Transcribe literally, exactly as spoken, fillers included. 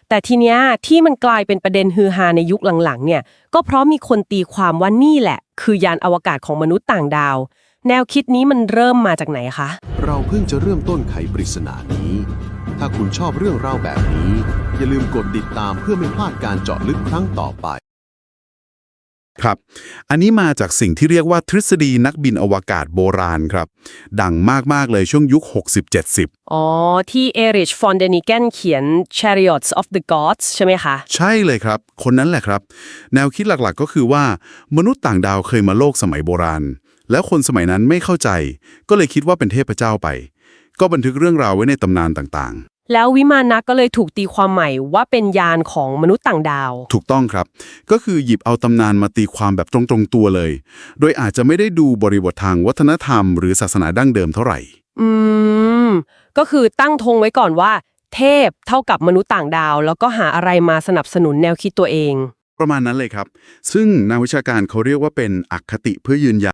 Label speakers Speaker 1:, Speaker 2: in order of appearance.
Speaker 1: แต่ทีเนี้ยที่มันกลายเป็นประเด็นฮือฮาในยุคหลังๆเนี่ยก็เพราะมีคนตีความว่านี่แหละคือยานอวกาศของมนุษย์ต่างดาวแนวคิดนี้มันเริ่มมาจากไหนคะ
Speaker 2: เราเพิ่งจะเริ่มต้นไขปริศนานี้ถ้าคุณชอบเรื่องราวแบบนี้อย่าลืมกดติดตามเพื่อไม่พลาดการเจาะลึกครั้งต่อไป
Speaker 3: ครับอันนี้มาจากสิ่งที่เรียกว่าทฤษฎีนักบินอวกาศโบราณครับดังมากๆเลยช่วงยุค หกสิบเจ็ดสิบ
Speaker 1: อ๋อที่เอริชฟอนเดนิเกนเขียน Chariots of the Gods ใช่ไหมคะ
Speaker 3: ใช่เลยครับคนนั้นแหละครับแนวคิดหลักๆก็คือว่ามนุษย์ต่างดาวเคยมาโลกสมัยโบราณแล้วคนสมัยนั้นไม่เข้าใจก็เลยคิดว่าเป็นเทพเจ้าไปก็บันทึกเรื่องราวไว้ในตำนานต่างๆ
Speaker 1: แล้ววิมานะก็เลยถูกตีความใหม่ว่าเป็นยานของมนุษย์ต่างดาว
Speaker 3: ถูกต้องครับก็คือหยิบเอาตำนานมาตีความแบบตรงๆตัวเลยโดยอาจจะไม่ได้ดูบริบททางวัฒนธรรมหรือศาสนาดั้งเดิมเท่าไหร่
Speaker 1: อืมก็คือตั้งธงไว้ก่อนว่าเทพเท่ากับมนุษย์ต่างดาวแล้วก็หาอะไรมาสนับสนุนแนวคิดตัวเอง
Speaker 3: ประมาณนั้นเลยครับซึ่งนักวิชาการเขาเรียกว่าเป็นอคติเพื่อยืนยัน